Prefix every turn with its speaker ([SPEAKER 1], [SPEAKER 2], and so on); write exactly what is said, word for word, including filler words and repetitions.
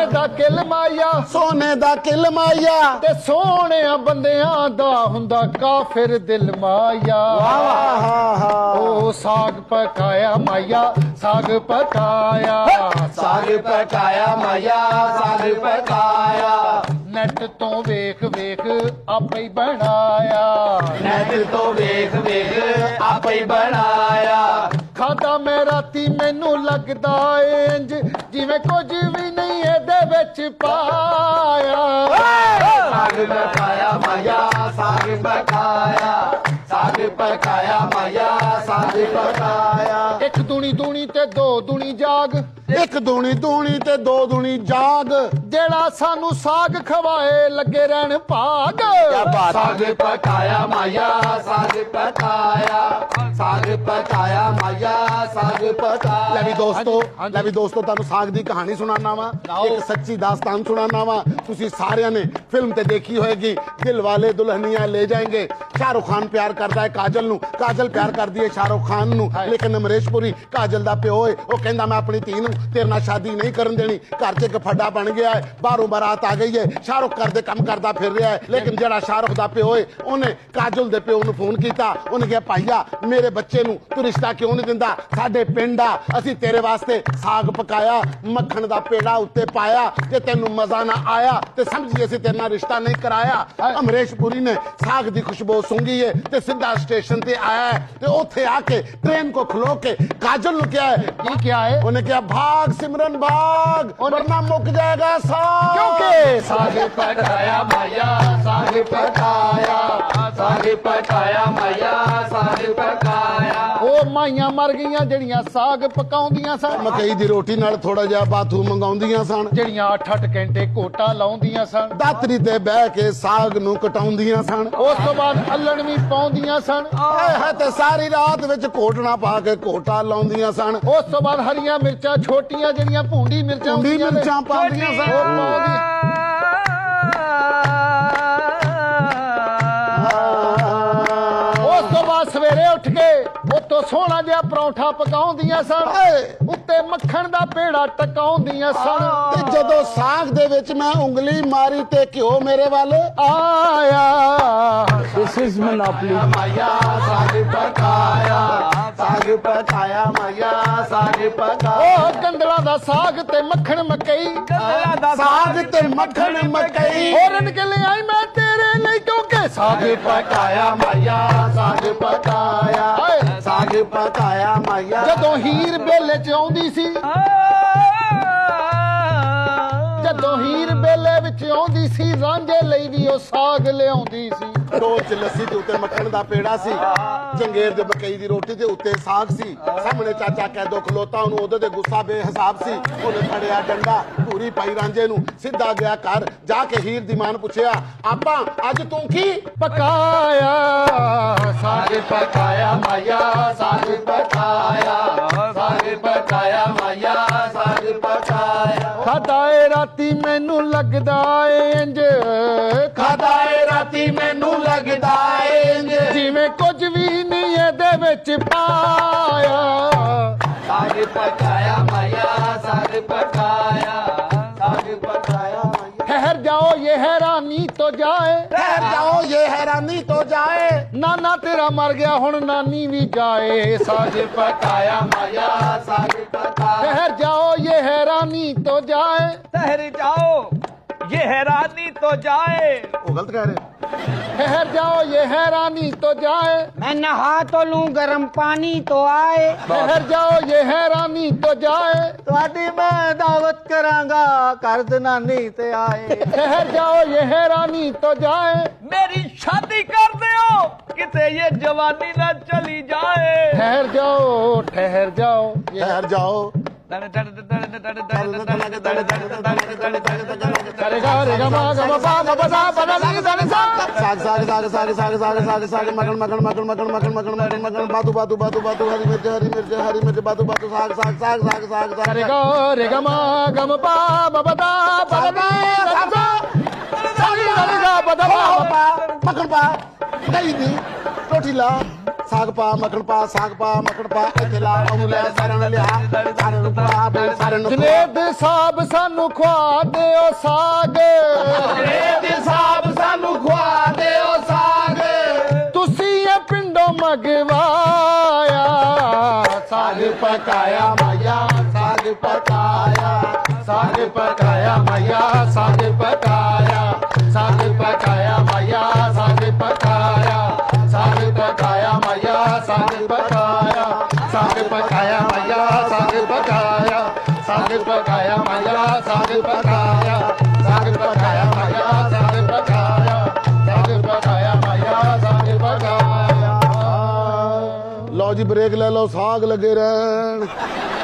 [SPEAKER 1] सोने दा किल माया
[SPEAKER 2] सोने दा किल माया
[SPEAKER 1] ते सोहणिया बंदियां दा हुंदा काफिर दिल माया ओ साग पकाया माया साग पकाया
[SPEAKER 2] साग पकाया माया साग पकाया
[SPEAKER 1] नैट तो वेख वेख आपे ही बनाया
[SPEAKER 2] नैट तो वेख वेख आपे ही बनाया
[SPEAKER 1] खादा मैं राती मैनू लगदा इंज जिवें कुछ भी नहीं एदे विच पाया
[SPEAKER 2] साग पकाया माया साग पकाया साग पकाया माया साग पकाया
[SPEAKER 1] एक दूनी दूनी ते दो दूनी जाग
[SPEAKER 2] एक दूनी दूनी ते दो दूनी जाग
[SPEAKER 1] जेड़ा सानू साग खवाए लगे रहन भाग
[SPEAKER 2] साग पकाया माया साग पकाया साग पकाया माया साग पकाया ले भी दोस्तों ले भी दोस्तों तुहानू साग दी कहानी सुनाना वा एक सच्ची दास्तान सुनाना वा तुसी सारियां ने फिल्म ते देखी होएगी दिल वाले दुल्हनिया ले जाएंगे शाहरुख खान प्यार करदा है काजल नू काजल प्यार करदी है शाहरुख खान नू लेकिन अमरीश पुरी काजल दा प्यो है वो कहंदा मैं अपनी धी नू तेरे नाल शादी नहीं करन देनी घर च एक फड्डा बन गया है बाहरों बारात आ गई है शाहरुख घर दे काम करदा फिर रहा है लेकिन जेड़ा शाहरुख दा प्यो है उन्हें काजल दे प्यो नू फोन कीता उन्हें कहा भाईया मेरे बच्चे नू तू रिश्ता क्यों नहीं दिंदा साडे पिंड आ असीं तेरे वास्ते साग पकाया मक्खन दा पेड़ा उत्ते पाया जे तैनू मजा ना आया ते समझी असीं तेरे नाल रिश्ता नहीं कराया अमरीश पुरी ने साग दी खुशबू सूंघी है ते सीधा स्टेशन ते आया है ते ओथे आके ट्रेन को खलो के काजल नू क्या है
[SPEAKER 1] ये क्या है
[SPEAKER 2] उन्हें क्या भाग सिमरन भाग वरना मुक जाएगा साग
[SPEAKER 1] क्योंकि
[SPEAKER 2] साग पकाया माया साग पकाया साग पकाया माया साग पकाया
[SPEAKER 1] ओ माइयां मर गईयां जड़ियां साग पकाउंदियां सन
[SPEAKER 2] मकई दी रोटी नाल थोड़ा जिहा बाथू मंगाउंदियां सन
[SPEAKER 1] जड़ियां अठ अठ घंटे कोटा लाउंदियां सन
[SPEAKER 2] दातरी ते बह के साग नू कटाउंदियां सन
[SPEAKER 1] उस तो बाद अल्लण भी पाउंदियां सन
[SPEAKER 2] हाय हाय ते सारी रात विच कोटना पा के कोटा लाउंदियां सन
[SPEAKER 1] उस तो बाद हरियां मिर्चां छोटियां जड़ियां भूंडी मिर्चां
[SPEAKER 2] भूंडी
[SPEAKER 1] ਹੁੰਦੀਆਂ ਨੇ,
[SPEAKER 2] मिर्चां पाउंदियां सन
[SPEAKER 1] ਉਹ ਪਾਉਂਦੀ ਉਸ ਤੋਂ ਬਾਅਦ ਸਵੇਰੇ ਉੱਠ ਕੇ ਉਤੋਂ ਸੋਹਣਾ ਜਿਹਾ ਪਰੌਂਠਾ ਪਕਾਉਂਦੀਆਂ ਸਨ ਉੱਤੇ ਮੱਖਣ ਦਾ ਪੇੜਾ ਟਕਾਉਂਦੀਆਂ ਸਨ
[SPEAKER 2] ਤੇ ਜਦੋਂ ਸਾਗ ਦੇ ਵਿੱਚ ਮੈਂ ਉਂਗਲੀ ਮਾਰੀ ਤੇ ਘਿਓ ਮੇਰੇ ਵੱਲ
[SPEAKER 1] ਆਇਆ
[SPEAKER 3] This is monopoly.
[SPEAKER 2] माया साग पकाया साग पकाया माया साग पकाया
[SPEAKER 1] ਉਹ ਗੰਦਲਾਂ ਦਾ ਸਾਗ ਤੇ ਮੱਖਣ ਮਕਈ
[SPEAKER 2] साग ते मक्खन मकई
[SPEAKER 1] ਹੋਰਨ ਕੇ ਲਈ ਆਈ ਮੈਂ ਤੇਰੇ ਲਈ ਕਿਉਂਕਿ ਸਾਗ
[SPEAKER 2] पकाया माया साग पकाया साग पकाया माया
[SPEAKER 1] ਜਦੋਂ ਹੀਰ ਬੇਲੇ ਚ ਆਉਂਦੀ ਸੀ ਜਦੋਂ ਹੀਰ ਬੇਲੇ ਵਿੱਚ ਆਉਂਦੀ ਸੀ ਰਾਂਝੇ ਲਈ ਵੀ ਉਹ ਸਾਗ ਲਿਆਉਂਦੀ ਸੀ
[SPEAKER 2] ਦੋ ਚ ਲੱਸੀ ਤੇ ਉੱਤੇ ਮੱਖਣ ਦਾ ਪੇੜਾ ਸੀ ਜੰਗੇਰ ਦੇ ਮਕਈ ਦੀ ਰੋਟੀ ਤੇ ਉੱਤੇ ਸਾਗ ਸੀ ਸਾਹਮਣੇ ਚਾਚਾ ਕੈਦੋ ਖਲੋਤਾ ਉਹਨੂੰ ਉਹਦੇ ਤੇ ਗੁੱਸਾ ਬੇਹਿਸਾਬ ਸੀ ਉਹਨੇ ਫੜਿਆ ਡੰਡਾ ਪੂਰੀ ਪਾਈ ਰਾਂਝੇ ਨੂੰ ਸਿੱਧਾ ਗਿਆ ਘਰ ਜਾ ਕੇ ਹੀਰ ਦੀ ਮਾਂ ਨੂੰ ਪੁੱਛਿਆ ਆਪਾ ਅੱਜ ਤੂੰ ਕੀ
[SPEAKER 1] ਪਕਾਇਆ
[SPEAKER 2] साग पकाया माया साग पकाया साग पकाया माया साग पकाया
[SPEAKER 1] ਖਾਦਾ ਏ ਰਾਤੀ ਮੈਨੂੰ ਲੱਗਦਾ ਏ ਇੰਜ
[SPEAKER 2] खादा ए राती मैनू लगदा इंज
[SPEAKER 1] ਜਿਵੇਂ ਕੁਝ ਵੀ ਨਹੀਂ ਇਹਦੇ ਵਿੱਚ ਪਾਇਆ
[SPEAKER 2] साग पकाया माया साग पकाया साग पकाया माया
[SPEAKER 1] ठहर जाओ ये हैरानी तो जाए
[SPEAKER 2] ठहर जाओ ये हैरानी तो जाए
[SPEAKER 1] नाना तेरा मर गया हुण नानी भी जाए साग
[SPEAKER 2] पकाया माया साग पकाया
[SPEAKER 1] ठहर जाओ ये हैरानी तो जाए
[SPEAKER 3] ठहर जाओ ये हैरानी तो जाए
[SPEAKER 2] वो गलत कह रहे
[SPEAKER 1] ठहर जाओ ये हैरानी तो जाए
[SPEAKER 3] मैं नहा तो लूं गर्म पानी तो आए
[SPEAKER 1] ठहर जाओ ये हैरानी तो जाए
[SPEAKER 3] ਤੁਹਾਡੀ ਮੈਂ ਦਾਵਤ ਕਰਾਂਗਾ ਕਰ ਦਨਾਨੀ ਤੇ ਆਏ
[SPEAKER 1] ठहर जाओ ये हैरानी तो जाए
[SPEAKER 3] मेरी शादी कर दियो किते ये जवानी ना चली जाए
[SPEAKER 1] ठहर जाओ ठहर जाओ ये
[SPEAKER 2] ठहर जाओ
[SPEAKER 1] करेगा रेगा मा गा मा पा मा पा सा पा दा नी दा नी सा
[SPEAKER 2] साग साग साग साग साग साग साग साग मगन मगन मगन मगन मगन मगन मगन मगन बातू बातू बातू बातू हरी मिर्च हरी मिर्च हरी मिर्च बातू बातू साग साग साग साग साग साग
[SPEAKER 1] करेगा रेगा मा गा मा पा मा पा दा पा दा नी दा नी सा साग दा नी सा पा दा पा मा पा
[SPEAKER 2] मगन पा दही दी रोटी ला ਸਾਗ ਪਾ ਮੱਖਣ ਪਾ ਸਾਗ ਪਾ ਮੱਖਣ ਪਾ ਇੱਥੇ ਲਾ ਉਹਨੂੰ ਲੈ ਸਾਰਿਆਂ ਨੂੰ ਲਿਆ ਸਾਰਿਆਂ ਨੂੰ ਪਾ ਬੇ ਸਾਰਿਆਂ ਨੂੰ
[SPEAKER 1] ਜਨੇਦ ਸਾਹਿਬ ਸਾਨੂੰ ਖਵਾ ਦਿਓ ਸਾਗ
[SPEAKER 2] ਜਨੇਦ ਸਾਹਿਬ ਸਾਨੂੰ ਖਵਾ ਦਿਓ ਸਾਗ
[SPEAKER 1] ਤੁਸੀਂ ਇਹ ਪਿੰਡੋਂ ਮੰਗਵਾਇਆ
[SPEAKER 2] ਸਾਗ ਪਕਾਇਆ ਮਾਇਆ ਸਾਗ ਪਕਾਇਆ
[SPEAKER 1] ਸਾਗ ਪਕਾਇਆ ਮਾਇਆ ਸਾਗ ਪਕਾਇਆ ਸਾਗ ਪਕਾਇਆ ਮਾਇਆ ਸਾਗ ਪਕਾਇਆ ਸਾਗ ਪਕਾਇਆ ਮਾਇਆ ਸਾਗ ਪਕਾਇਆ ਸਾਗ ਪਕਾਇਆ ਮਾਇਆ ਸਾਗ ਪਕਾਇਆ ਸਾਗ ਪਕਾਇਆ ਮਾਇਆ ਸਾਗ ਪਕਾਇਆ ਸਾਗ ਪਕਾਇਆ ਮਾਇਆ ਸਾਗ ਪਕਾਇਆ ਸਾਗ ਪਕਾਇਆ ਮਾਇਆ ਸਾਗ ਪਕਾਇਆ।
[SPEAKER 2] ਲਓ ਜੀ ਬ੍ਰੇਕ ਲੈ ਲਓ ਸਾਗ ਲੱਗੇ ਰਹਿਣ